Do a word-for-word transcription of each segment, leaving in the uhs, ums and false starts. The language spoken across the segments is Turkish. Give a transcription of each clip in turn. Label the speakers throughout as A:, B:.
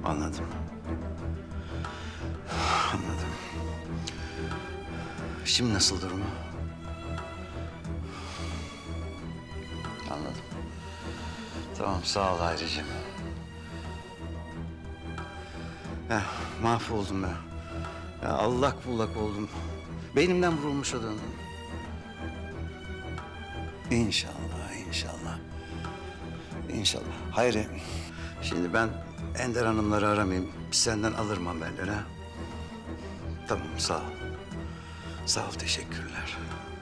A: Anladım. Anladım. Şimdi nasıl durumu? Anladım. Tamam, sağ ol Hayricim. Ya, mahvoldum ben. Ya allak bullak oldum. Beynimden vurulmuş o döndüm. İnşallah, inşallah. İnşallah. Hayri, şimdi ben Ender Hanımları aramayayım. Senden alırım haberleri ha. Tamam, sağ ol. Sağ ol, teşekkürler.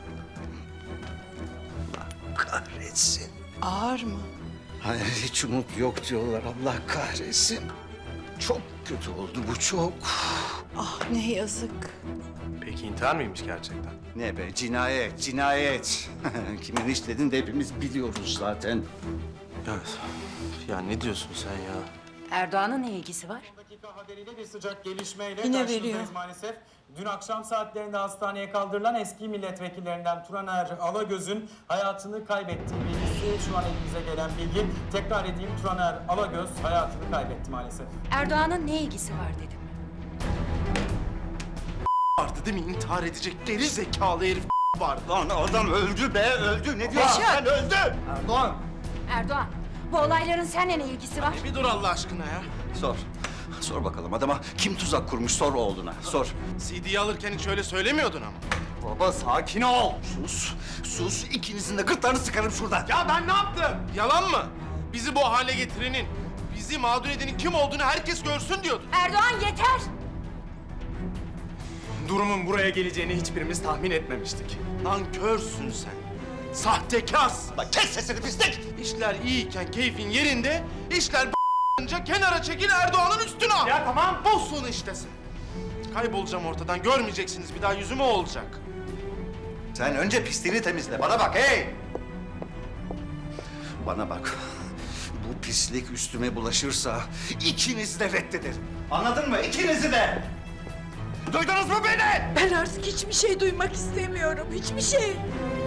A: Allah kahretsin.
B: Ağır mı?
A: Hayır, hiç umut yok diyorlar. Allah kahretsin. Çok kötü oldu bu, çok.
B: Ah ne yazık.
C: Peki intihar mıymış gerçekten?
A: Ne be, cinayet, cinayet. Kimin işlediğini de hepimiz biliyoruz zaten.
C: Evet. Ya ne diyorsun sen ya?
D: Erdoğan'ın ne ilgisi var?
E: Dakika haberiyle bir sıcak gelişmeyle
B: Yine
E: karşınızdayız
B: veriyor.
E: maalesef. Dün akşam saatlerinde hastaneye kaldırılan eski milletvekillerinden Turaner Alagöz'ün hayatını kaybettiği bilgisi şu an elimize gelen bilgi. Tekrar edeyim, Turaner Alagöz hayatını kaybetti maalesef.
D: Erdoğan'ın ne ilgisi var dedim.
C: Vardı değil mi? İntihar edecek geri zekalı herif vardı.
A: Lan adam öldü be, öldü. Ne diyorsun sen, öldü. Erdoğan.
D: Erdoğan, bu olayların seninle ne ilgisi var?
C: Bir dur Allah aşkına ya.
A: Sor. Sor bakalım adama kim tuzak kurmuş, sor oğluna, sor.
C: C D'yi alırken hiç öyle söylemiyordun ama.
A: Baba sakin ol. Sus, sus. İkinizin de gırtlarını sıkarım şuradan.
C: Ya ben ne yaptım? Yalan mı? Bizi bu hale getirenin, bizi mağdur edenin kim olduğunu herkes görsün diyordun.
D: Erdoğan yeter!
F: Durumun buraya geleceğini hiçbirimiz tahmin etmemiştik.
C: Nankörsün sen. Sahtekarsın.
A: Bak kes sesini pislik.
C: İşler iyiyken keyfin yerinde, işler b***ınca kenara çekil Erdoğan'ın üstüne al.
F: Ya tamam.
C: Bozsun işte sen. Kaybolacağım ortadan, görmeyeceksiniz bir daha yüzümü o olacak.
A: Sen önce pisliğini temizle. Bana bak hey. Bana bak. Bu pislik üstüme bulaşırsa ikinizi de reddederim. Anladın mı? İkinizi de. Duydunuz mu beni?
B: Ben artık hiçbir şey duymak istemiyorum. Hiçbir şey.